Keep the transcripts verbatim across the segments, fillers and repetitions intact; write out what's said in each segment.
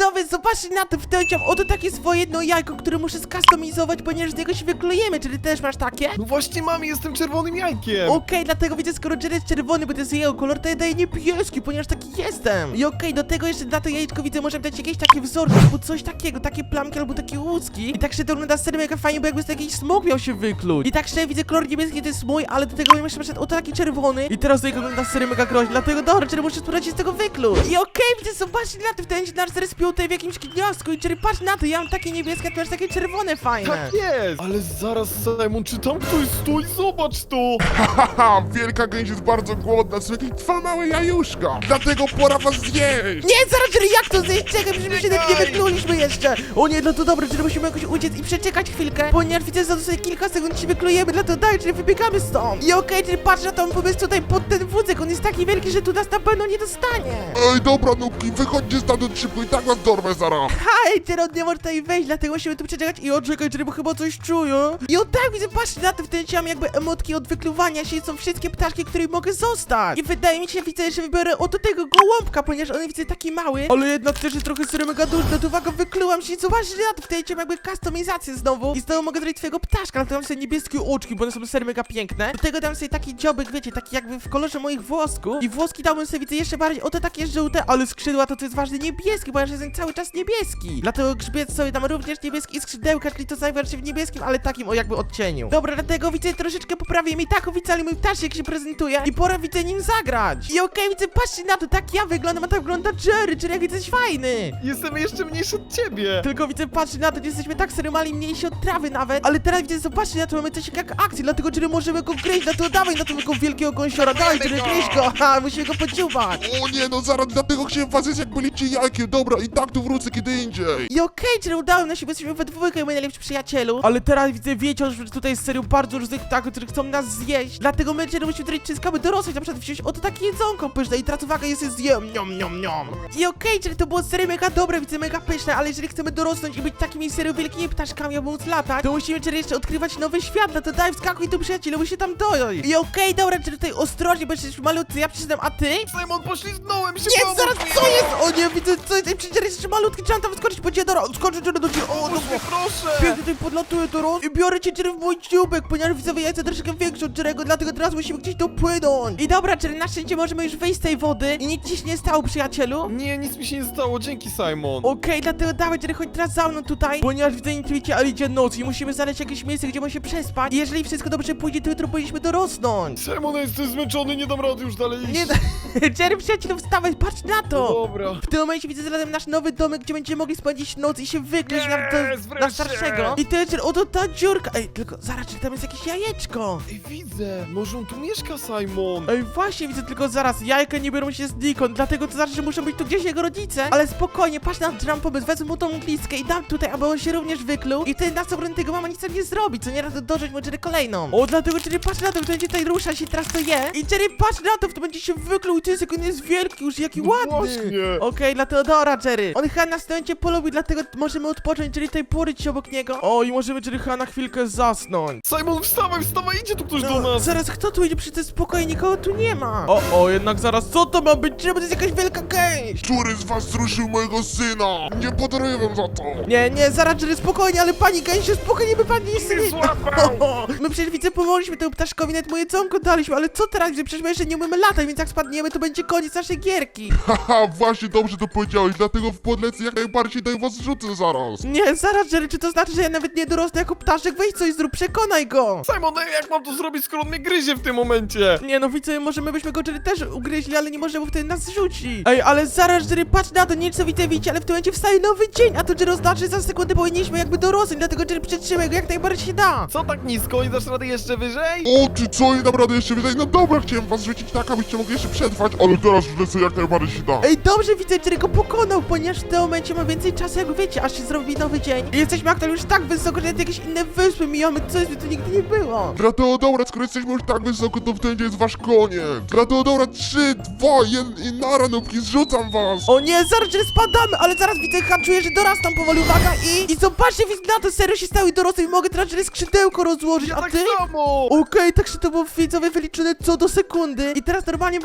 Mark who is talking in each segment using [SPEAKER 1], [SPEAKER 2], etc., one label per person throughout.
[SPEAKER 1] widzowie, zobaczcie na to, wtedy oto takie swoje jedno jajko, które muszę skustomizować, ponieważ z niego się wyklejemy. Czy ty też masz takie?
[SPEAKER 2] No właśnie mam, jestem czerwonym jajkiem.
[SPEAKER 1] Okej, dlatego widzę, skoro Jerry jest czerwony, bo to jest jego kolor, to ja daję niebieski, ponieważ taki jestem. I okej, do tego jeszcze na to jajeczko widzę, możemy dać jakieś takie wzorki, albo coś takiego, takie plamki, albo takie łuski. I tak szczerze to wygląda serio mega fajnie, bo jakby z takiej smok miał się wykluć. I tak szczerze widzę, kolor niebieski to jest mój, ale do tego jeszcze przed oto taki czerwony. I teraz to wygląda serio mega groźnie, dlatego dobra, Jerry muszę spróbować się z tego wykluć. I okej, widzę, zobaczcie na to, wtedy się nasz Jerry spiął tutaj w jakimś gniazdku. I Jerry, patrz na to, ja mam takie niebieskie, a ty masz takie czerwone fajne.
[SPEAKER 2] Tak jest. Ale zaraz, Simon, czy tam ktoś stoi? Zobacz to.
[SPEAKER 3] Haha, wielka gęś jest bardzo głodna, są jakieś dwa małe jajuszka, dlatego pora was zjeść!
[SPEAKER 1] Nie, zaraz, Jerry, jak to zjeść? Czekaj, przecież my się nawet nie
[SPEAKER 2] Czekaj.
[SPEAKER 1] wykluliśmy jeszcze. O nie, no to dobra, Jerry, musimy jakoś uciec i przeczekać chwilkę, ponieważ widzę, że za dosłownie kilka sekund się wyklujemy, dlatego daj, Jerry, wybiegamy stąd. I okej, Jerry, patrz na tą pomysł tutaj pod ten wózek, on jest taki wielki, że tu nas na pewno nie dostanie.
[SPEAKER 3] Ej, dobra, nubki, wychodźcie stamtąd szybko i tak was dorwę zaraz!
[SPEAKER 1] Hej, Jerry, on nie może tutaj wejść, dlatego musimy tu przeczekać. I o, czekaj, Jerry, bo chyba coś czuję. I o tak, widzę, patrzcie na to, wtedy mam jakby emotki od wykluwania się, są wszystkie ptaszki, które mogę zostać. I wydaje mi się, widzę, że wybiorę oto tego gołąbka, ponieważ on widzę taki mały, ale jednak też jest trochę serio mega duży. No to uwaga, wyklułam się i zobaczcie na to, wtedy mam jakby kustomizację znowu. I znowu mogę zrobić twojego ptaszka, ale to mam sobie niebieskie oczki, bo one są serio mega piękne. Do tego dam sobie taki dziobek, wiecie, taki jakby w kolorze moich włosków. I włoski dałbym sobie, widzę, jeszcze bardziej oto takie żółte, ale skrzydła to co jest ważne, niebieski, ponieważ jest cały czas niebieski. Dlatego grzbiet sobie dam również niebieski i skrzydełka, czyli to zajmuje się w niebieskim, ale takim o jakby odcieniu. Dobra, dlatego widzę, troszeczkę poprawię mi tak oficjalnie mój ptaszek się prezentuje i pora widzę nim zagrać. I okej, widzę, patrzcie na to, tak ja wyglądam, a tak wygląda Jerry, Jerry jak widzę jest fajny.
[SPEAKER 2] Jestem jeszcze mniejszy od ciebie.
[SPEAKER 1] Tylko widzę, patrzcie na to, że jesteśmy tak serio mali, mniejsi od trawy nawet, ale teraz widzę, zobaczcie na to, mamy coś jak akcję, dlatego Jerry możemy go gryźć, dlatego dawaj na tego wielkiego gąsiora, dawaj Jerry, gryźć go, ha, musimy go podziubać.
[SPEAKER 3] O nie, no zaraz, dlatego chciałem was zjeść jak byliście jajkiem, dobra, i tak tu wrócę kiedy indziej!
[SPEAKER 1] I okej, Jerry, udało nam się, bo jesteśmy we dwójkę, moi najlepsi przyjacielu. Ale teraz widzę, wiecie, że tutaj jest serio bardzo różnych ptaków, którzy chcą nas zjeść. Dlatego my, Jerry, musimy tutaj wszystko dorosłych, na przykład wziąć oto takie jedzonko pyszne i teraz uwaga, jest je zjem, niom, niom, niom. I okej, Jerry, to było serio mega dobre, widzę, mega pyszne, ale jeżeli chcemy dorosnąć i być takimi serio wielkimi ptaszkami, aby móc latać, to musimy, Jerry, jeszcze odkrywać nowy świat, no to daj, wskakuj tu, przyjacielu, musimy tam dojść. I okej, dobra, Jerry, tutaj ostrożnie, bo jesteśmy malutcy, ja przyznam, a ty?
[SPEAKER 2] Simon, poślizgnąłem się.
[SPEAKER 1] Nie,
[SPEAKER 2] pomóż
[SPEAKER 1] zaraz,
[SPEAKER 2] mi.
[SPEAKER 1] co jest? O nie, widzę, co jest, przecież Jerry jest jeszcze malutki, trzeba tam wskoczyć po ciebie, dobra, skoczę, Jerry, do ciebie, o,
[SPEAKER 2] Pomóż
[SPEAKER 1] dobra.
[SPEAKER 2] mi, proszę.
[SPEAKER 1] Pięknie tutaj podlatuję teraz i biorę cię, Jerry, w mój dzióbek, ponieważ widzowie, ja jestem troszeczkę większy od Jerry'ego, dlatego teraz musimy gdzieś dopłynąć. I dobra, Jerry, na szczęście możemy już wyjść z tej wody i nic ci się nie stało, przyjacielu.
[SPEAKER 2] Nie, nic mi się nie stało, dzięki, Simon.
[SPEAKER 1] Okej, dlatego dawaj, Jerry, chodź teraz za mną tutaj, ponieważ widzę intuicję, ale idzie noc i musimy znaleźć jakieś miejsce, gdzie możemy się przespać. I jeżeli wszystko dobrze pójdzie, to jutro powinniśmy dorosnąć.
[SPEAKER 2] Simon, ja jestem zmęczony, nie dam rady już dalej iść.
[SPEAKER 1] Nie, Jerry, przyjacielu, wstawaj, patrz na
[SPEAKER 2] No
[SPEAKER 1] to.
[SPEAKER 2] dobra.
[SPEAKER 1] W tym momencie widzę zarazem nasz nowy domek, gdzie będziemy mogli spędzić noc i się wykryć na,
[SPEAKER 2] Jest,
[SPEAKER 1] do, na
[SPEAKER 2] wreszcie!
[SPEAKER 1] starszego. I też, oto ta dziurka. Ej, tylko zaraz, czy tam jest jakieś jajeczko?
[SPEAKER 2] Ej, widzę, może on tu mieszka, Simon.
[SPEAKER 1] Ej, właśnie, widzę tylko zaraz, jajka nie biorą się znikąd, dlatego to znaczy, że muszą być tu gdzieś jego rodzice. Ale spokojnie, patrz na dram pomysł, wezmę mu tą glistkę i dam tutaj, aby on się również wykluł. I wtedy na obrony tego mama nic tam nie zrobi, co nie raz dożyć mu Jerry kolejną. O, dlatego Jerry, patrz na to, to będzie tutaj rusza się, teraz to je. I Jerry, patrz na to, to będzie się wykluł i to jest, jak on jest wielki już, jaki
[SPEAKER 2] No
[SPEAKER 1] ładny.
[SPEAKER 2] właśnie.
[SPEAKER 1] Okej, dlatego dobra, Jerry. On chyba nas w tym momencie polubił, dlatego możemy odpocząć, Jerry, tutaj poryć się obok niego. O, i możemy Jerry chyba na chwilkę zasnąć.
[SPEAKER 2] Simon, wstawaj, wstawaj, idzie tu ktoś do
[SPEAKER 1] No,
[SPEAKER 2] nas.
[SPEAKER 1] zaraz, kto tu idzie? Przecież spokojnie, nikogo tu nie ma. O, o, jednak zaraz, co to ma być? Czemu to jest jakaś wielka gęś?
[SPEAKER 3] Który z was zruszył mojego syna? Nie podaruję wam za to!
[SPEAKER 1] Nie, nie, zaraz, Jerry, spokojnie, ale pani gęsie, spokojnie, by pani nic
[SPEAKER 2] Nie złapał.
[SPEAKER 1] My przecież widzę, pomogliśmy temu ptaszkowi, nawet mu jedzonko daliśmy, ale co teraz? Przecież my jeszcze nie umiemy latać, więc jak spadniemy, to będzie koniec naszej gierki.
[SPEAKER 3] Haha, właśnie dobrze to powiedziałeś, dlatego w podlecę jak najbardziej daj was rzucę zaraz!
[SPEAKER 1] Nie, zaraz, Jerry, czy to znaczy, że ja nawet nie dorosnę jako ptaszek? Weź coś zrób, przekonaj go.
[SPEAKER 2] Simon, ej, jak mam to zrobić, skoro on mnie gryzie w tym momencie?
[SPEAKER 1] Nie no, widzę, może my byśmy go Jerry też ugryźli, ale nie może, bo wtedy nas rzuci. Ej, ale zaraz, Jerry, patrz na to, nie wiem co widzę, widzicie, ale w tym momencie wstaje nowy dzień, a to Jerry oznacza, że za sekundę powinniśmy jakby dorosnąć, dlatego Jerry przytrzymaj go jak najbardziej się da.
[SPEAKER 2] Co tak nisko? Nie dasz rady jeszcze wyżej?
[SPEAKER 3] O, ty co, nie naprawdę jeszcze wyżej? No dobra, chciałem was rzucić tak, abyście mogli jeszcze przetrwać, ale teraz już lecę jak najbardziej się da.
[SPEAKER 1] Ej, dobrze widzę, Jerry go pokonał, ponieważ w tym momencie ma więcej czasu, jak wiecie, aż się zrobi nowy dzień. I jesteśmy aktualnie już tak wysoko, że nawet jakieś inne wyspy mijamy, coś by tu nigdy nie było.
[SPEAKER 3] Dlatego dobra, skoro jesteśmy już tak wysoko, to wtedy jest wasz koniec. Dlatego dobra, trzy, dwa, jeden i nara, nubki, zrzucam was.
[SPEAKER 1] O nie, zaraz, Jerry, spadamy, ale zaraz widzę, ha, czuję, że dorastam powoli, uwaga, i... I zobaczcie, widzę na to, serio się stały dorosły i mogę teraz, Jerry, skrzydełko rozłożyć,
[SPEAKER 2] Ja
[SPEAKER 1] a
[SPEAKER 2] tak
[SPEAKER 1] ty?
[SPEAKER 2] samo!
[SPEAKER 1] Okej, tak się to było widzowie wyliczone co do sekundy. I teraz normalnie mogę latać,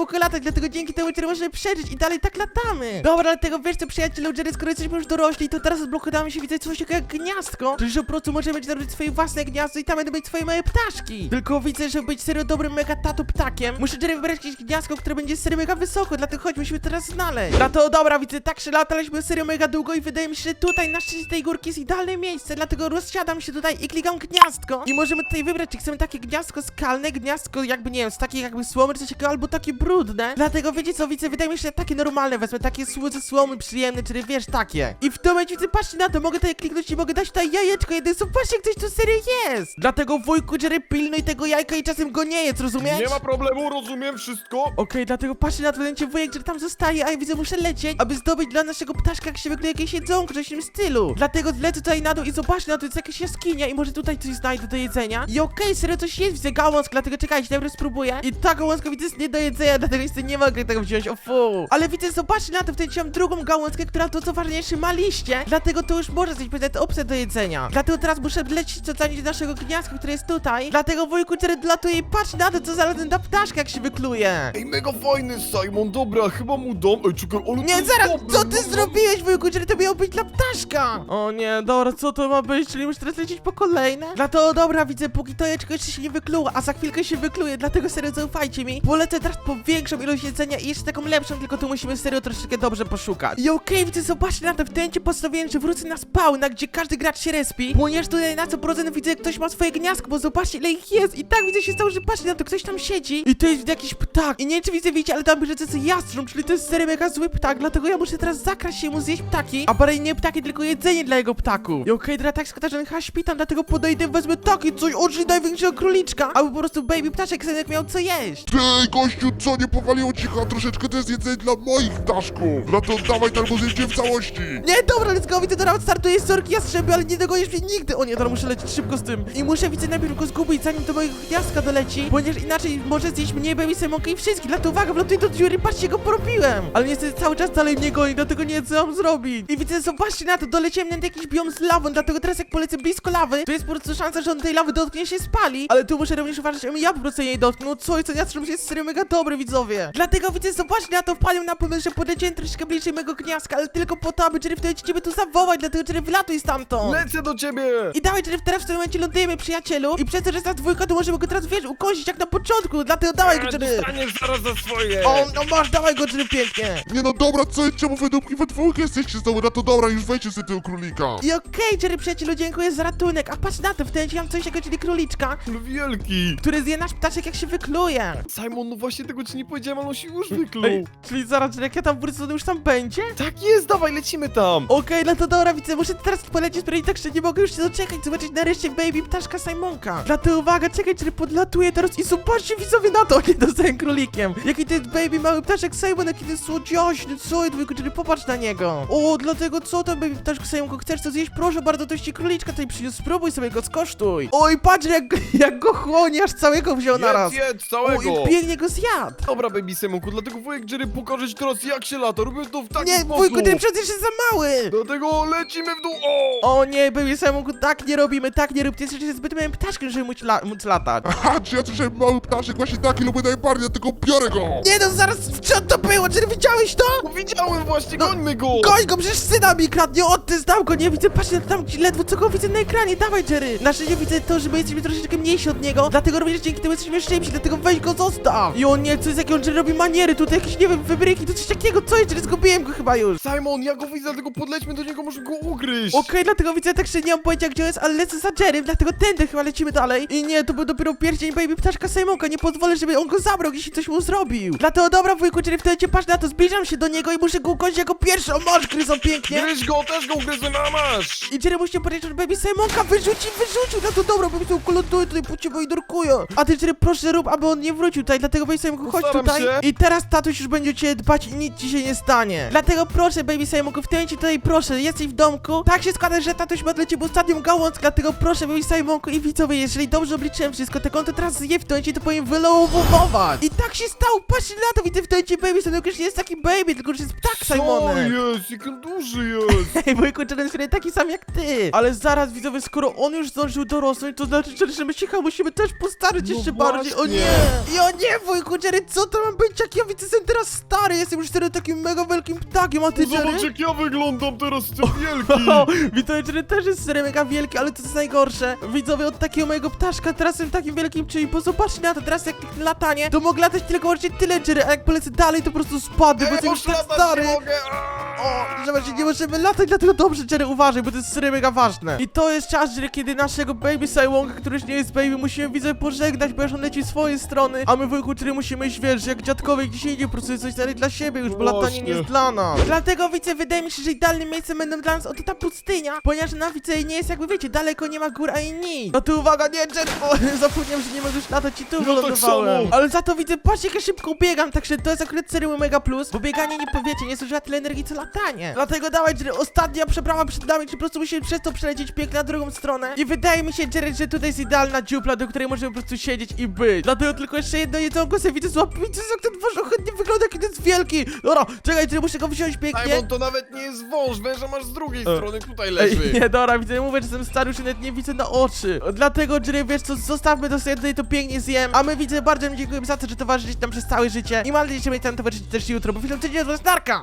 [SPEAKER 1] dlatego dzięki temu Jerry możemy przeżyć i dalej tak latamy. Dobra, dlatego wiesz co, przyjacielu Jerry, skoro jesteśmy już dorośli, to teraz odblokujemy się, widzę coś takiego jak gniazdko, czyli że po prostu możemy zrobić swoje własne gniazdo i tam będą być swoje małe ptaszki. Tylko widzę, żeby być serio dobrym mega tato ptakiem, muszę Jerry wybrać jakieś gniazdko, które będzie serio mega wysoko, dlatego chodź, musimy teraz znaleźć. No to dobra, widzę, tak się lataliśmy serio mega długo i wydaje mi się, że tutaj na szczycie tej górki jest idealne miejsce, dlatego rozsiadam się tutaj i klikam gniazdko i możemy tutaj wybrać, czy chcemy takie gniazdko skalne, gniazdko jakby, nie wiem, z takiej jakby słomy, czy coś takiego, albo takie brudne. Dlatego wiecie co, widzę, wydaje mi się, że takie normalne wezmę, takie słoce słomy przyjemne, czyli wiesz, takie. I w tym momencie widzę, patrzcie na to, mogę tutaj kliknąć i mogę dać tutaj jajeczko, jeden, zobaczcie, ktoś tu serio jest. Dlatego wujku Jerry, pilnuj tego jajka i czasem go nie jedz, rozumiesz?
[SPEAKER 2] Nie ma problemu, rozumiem wszystko.
[SPEAKER 1] Okej, dlatego patrzcie na to, będzie wujek, który tam zostaje, a ja widzę, muszę lecieć, aby zdobyć dla naszego ptaszka, jak się wygląda jakieś jedzonko, coś w tym stylu. Dlatego lecę tutaj na dół i zobaczcie na to, jest jakaś jaskinia i może tutaj coś znajdę do jedzenia. I okej, serio coś jest, widzę gałązkę, dlatego czekajcie, najpierw spróbuję. I ta gałązka widzę jest nie do jedzenia, dlatego niestety nie mogę tego wziąć, o fu. Ale widzę, zobaczcie na to, wtedy mam drugą gałązkę, która to co ważniejsze ma liście, dlatego to już może coś powiedzieć opcja do jedzenia. Dlatego teraz muszę lecieć co do naszego gniazdka, które jest tutaj. Dlatego wujku Jerry dolatuje i patrz na to, co zarazem ta ptaszka, jak się wykluje.
[SPEAKER 2] Ej, mega fajny Simon, dobra, chyba mu dam. Ej, czekaj, ale to
[SPEAKER 1] Nie,
[SPEAKER 2] jest
[SPEAKER 1] zaraz,
[SPEAKER 2] dobre,
[SPEAKER 1] co ty
[SPEAKER 2] no,
[SPEAKER 1] zrobiłeś, wujku, Jerry, to miało być dla ptaszka? O nie, dobra, co to ma być, czyli muszę teraz lecieć po kolejne? Dlatego, dobra, widzę, póki to jeczko jeszcze się nie wykluło, a za chwilkę się wykluje, dlatego serio zaufajcie mi. Polecę teraz po większą ilość jedzenia i jeszcze taką lepszą, tylko tu musimy serio troszeczkę dobrze poszukać. I okej, widzę, zobaczcie na to, w tym momencie postanowiłem, że wrócę na spawna, gdzie każdy gracz się respi, ponieważ tutaj na co procent widzę, ktoś ma swoje gniazdko, bo zobaczcie, ile ich jest i tak widzę się stało, że patrzcie na to, ktoś tam siedzi i to jest jakiś ptak i nie wiem, czy widzę, wiecie, ale tam pisze, że to jest jastrząb, czyli to jest serio mega zły ptak, dlatego ja muszę teraz zakraść się mu zjeść ptaki, a bardziej nie ptaki, tylko jedzenie dla jego ptaku. I okej, teraz tak składa, że on chyba śpi tam, dlatego podejdę, wezmę takie coś, oczy największego króliczka, albo po prostu baby ptaszek sobie miał co jeść.
[SPEAKER 3] Ty, gościu, co, nie powaliło ci chyba troszeczkę, to jest jedzenie dla moich ptaszków. No to dawaj, albo zjedzie w całości.
[SPEAKER 1] Nie, dobra, let's go, widzę, teraz startuję sorki jastrzęby, ale nie dogonisz mnie nigdy. O nie, teraz muszę lecieć szybko z tym. I muszę, widzę, najpierw go zgubić, zanim do mojego gniazdka doleci, ponieważ inaczej może zjeść mnie, baby Simonkę i wszystkich. Dlatego uwaga, wlatuję do dziury, patrzcie, go porobiłem. Ale niestety cały czas dalej mnie goni, dlatego nie wiem, co mam zrobić. I widzę, zobaczcie na to, doleciałem na jakiś biom z lawą, dlatego teraz jak polecę blisko lawy, to jest po prostu szansa, że on tej lawy dotknie się spali. Ale tu muszę również uważać, żebym ja po prostu jej dotknął. No co jest, ten jastrząb jest serio mega dobry, widzowie. Dlatego widzę, zobaczcie na to, wpadłem na pomysł, że podleciałem troszeczkę bliżej mego gniazdka, ale tylko po to, aby Jerry wtedy ciebie tu zawołać, dlatego Jerry wlatuj stamtąd.
[SPEAKER 2] Lecę do ciebie.
[SPEAKER 1] I dawaj, Jerry, teraz w tym momencie lądujemy, przyjacielu. I przez to, że jest nas dwójka, to możemy go teraz, wiesz, ukąsić jak na początku, dlatego dawaj go,
[SPEAKER 2] A,
[SPEAKER 1] Jerry.
[SPEAKER 2] dostaniesz zaraz za swoje.
[SPEAKER 1] O, no masz, dawaj go, Jerry, pięknie.
[SPEAKER 3] Nie no dobra, co, czemu wy dupki we dwójkę jesteście znowu? No to dobra, już wejdźcie sobie tego królika.
[SPEAKER 1] I okej, Jerry, przyjacielu, dziękuję za ratunek. A patrz na to, w tym momencie mam coś takiego, czyli króliczka,
[SPEAKER 2] Wielki.
[SPEAKER 1] który zje nasz ptaszek, jak się wykluje.
[SPEAKER 2] Simon, no właśnie tego ci nie powiedziałem, ale on się już wykluł.
[SPEAKER 1] Ej, czyli zaraz, Jerry, jak ja tam wrócę, to on już tam będzie?
[SPEAKER 2] Tak jest, dawaj, lecimy tam.
[SPEAKER 1] Okej, no to dobra, widzę, muszę teraz polecieć, sprawdzić, tak że nie mogę już się doczekać, zobaczyć nareszcie baby ptaszka Simonka. Dlatego uwaga, czekaj, Jerry, podlatuję teraz i zobaczcie, widzowie, na to, nie dostałem królikiem. Jaki to jest baby mały ptaszek Simon, jaki to jest słodziaśny, co jest, Jerry, popatrz na niego. O, dlatego co tam, baby ptaszku Simonko, chcesz to zjeść? Proszę bardzo, to ci króliczka tutaj przyniósł, spróbuj sobie go, skosztuj. Oj, patrz, jak, jak go chłonie, aż całego wziął naraz.
[SPEAKER 2] Jedz, jedz,
[SPEAKER 1] O,
[SPEAKER 2] całego.
[SPEAKER 1] i pięknie go zjadł.
[SPEAKER 2] Dobra, baby Simonku, dlatego wujek Jerry pokaże ci teraz jak się lata. Robię to w taki
[SPEAKER 1] Nie,
[SPEAKER 2] sposób.
[SPEAKER 1] wujku, ten przecież jest za mały.
[SPEAKER 2] Dlatego lecimy w dół. O!
[SPEAKER 1] O nie, baby Simonku, tak nie robimy, tak nie rób, ty jesteś zbyt małym ptaszkiem, żeby móc, la móc latać.
[SPEAKER 3] Aha, czy ja słyszałem mały ptaszek, właśnie taki lubię najbardziej, dlatego biorę go.
[SPEAKER 1] Nie no, zaraz, co to było? Czy widziałeś to?
[SPEAKER 2] No, widziałem właśnie,
[SPEAKER 1] No,
[SPEAKER 2] gońmy go.
[SPEAKER 1] Goń go, przecież syna mi kradnie, o ty znam go, nie widzę, patrzcie tam ledwo co go widzę na ekranie, dawaj Jerry. Na szczęście widzę to, że my jesteśmy troszeczkę mniejsi od niego, dlatego również dzięki temu jesteśmy szybsi, dlatego weź go zostaw. I on nie, co jest, jakie on Jerry robi maniery, tutaj jakieś, nie wiem, wybryki, to coś takiego, co jest, Jerry, zgubiłem go chyba już.
[SPEAKER 2] Simon, ja go widzę, dlatego podlećmy do niego, może go ugryźć.
[SPEAKER 1] Okej, dlatego widzę, tak że nie mam pojęcia gdzie jest, ale lecę za Jerry, dlatego tędy chyba lecimy dalej. I nie, to był dopiero pierścień baby ptaszka Simonka, nie pozwolę, żeby on go zabrał, jeśli coś mu zrobił. Dlatego dobra, wujku Jerry, wtedy patrz na to, zbliżam się do niego i muszę go ukończyć jako pierwszy, o masz, gryzą pięknie.
[SPEAKER 2] Gryź go, też go ugryzłem, a masz.
[SPEAKER 1] I Jerry musi powiedzieć, że baby Simonka wyrzuci, wyrzucił, no to dobra, baby Simonku ląduje tutaj po ciebie i dorkuję. A ty Jerry, proszę rób, aby on nie wrócił tutaj, dlatego baby Simonku chodź
[SPEAKER 2] Postaram
[SPEAKER 1] tutaj.
[SPEAKER 2] się.
[SPEAKER 1] I teraz tatuś już będzie o ciebie dbać i nic ci się nie stanie. Dlatego proszę baby Simonku, w tym momencie tutaj proszę, jesteś w domku. Tak się składa, że tatuś ma dla ciebie ostatnią gałązkę, dlatego proszę baby Simonku i widzowie, jeżeli dobrze obliczyłem wszystko, tak on to teraz zje w tym momencie, to powinien wylowować. I tak się stało, patrzcie na to, widzę w tym momencie baby Simonku już nie jest taki baby, tylko już jest ptak
[SPEAKER 2] Co
[SPEAKER 1] Simonek.
[SPEAKER 2] jest? Jak on duży jest.
[SPEAKER 1] Ej, wujku, Jerry jest taki sam jak ty. Ale zaraz, widzowie, skoro on już zdążył dorosnąć, to znaczy, Jerry, że my się chyba musimy też postarać
[SPEAKER 2] No
[SPEAKER 1] jeszcze bardziej. O
[SPEAKER 2] właśnie.
[SPEAKER 1] nie! I o nie, wujku, Jerry, co to ma mam być, jak ja widzę, jestem teraz stary, jestem już wtedy takim mega wielkim ptakiem, a ty,
[SPEAKER 2] Zobacz,
[SPEAKER 1] Jerry?
[SPEAKER 2] jak ja wyglądam teraz, jestem wielki.
[SPEAKER 1] O, widzę, Jerry też jest serio mega wielki, ale to jest najgorsze. Widzowie, od takiego mojego ptaszka teraz jestem takim wielkim, czyli bo zobaczcie na to, teraz jak latanie, to mogę latać tylko właśnie tyle, Jerry, a jak polecę dalej, to po prostu spadnę, bo
[SPEAKER 2] Ej,
[SPEAKER 1] jestem już
[SPEAKER 2] masz
[SPEAKER 1] tak
[SPEAKER 2] latać,
[SPEAKER 1] stary.
[SPEAKER 2] nie mogę.
[SPEAKER 1] O, zobaczcie, nie możemy latać, dlatego dobrze, Jerry, uważaj, bo to jest serio mega ważne. I to jest czas, Jerry, kiedy naszego baby Sajłonga, który już nie jest baby, musimy, widzę, pożegnać, bo już on leci w swoje strony, a my, wujku, Jerry, musimy iść, wiesz, jak dziadkowie gdzieś indziej, po prostu coś dalej dla siebie już, bo latanie
[SPEAKER 2] Właśnie.
[SPEAKER 1] nie jest dla nas. Dlatego, widzę, wydaje mi się, że idealnym miejscem będą dla nas oto ta pustynia, ponieważ na widzę nie jest, jakby wiecie, daleko nie ma gór ani nic. No tu uwaga, nie, Jerry, o, zapomniałem, że nie mogę już latać i tu
[SPEAKER 2] tak
[SPEAKER 1] wylądowałem.
[SPEAKER 2] samo.
[SPEAKER 1] Ale za to widzę, patrzcie, jak ja szybko biegam, także to jest akurat serio mega plus, bo bieganie, nie powiecie, nie zużywa tyle energii, co latanie. Dlatego dawaj, Jerry, ostatnia przeprawa przed nami, czy po prostu musimy przez to przelecieć pięknie na drugą stronę. I wydaje mi się, Jerry, że tutaj jest idealna dziupla, do której możemy po prostu siedzieć i być. Dlatego tylko jeszcze jedno jedzonko sobie widzę, złap, widzę, jak ten wasz chętnie wygląda, jaki to jest wielki. Dobra, czekaj, Jerry, muszę go wziąć pięknie.
[SPEAKER 2] Simon, to nawet nie jest wąż, węża masz z drugiej
[SPEAKER 1] E.
[SPEAKER 2] strony, tutaj leży.
[SPEAKER 1] Ej, nie, dobra, widzę, mówię, że jestem stary, już nawet nie widzę na oczy. Dlatego, Jerry, wiesz co, zostawmy to sobie tutaj, to pięknie zjem. A my, widzę, bardzo mi dziękujemy za to, że towarzyszycie nam przez całe życie. I mam nadzieję, że będziecie tam towarzyszyć też jutro, bo film codziennie od was Darka.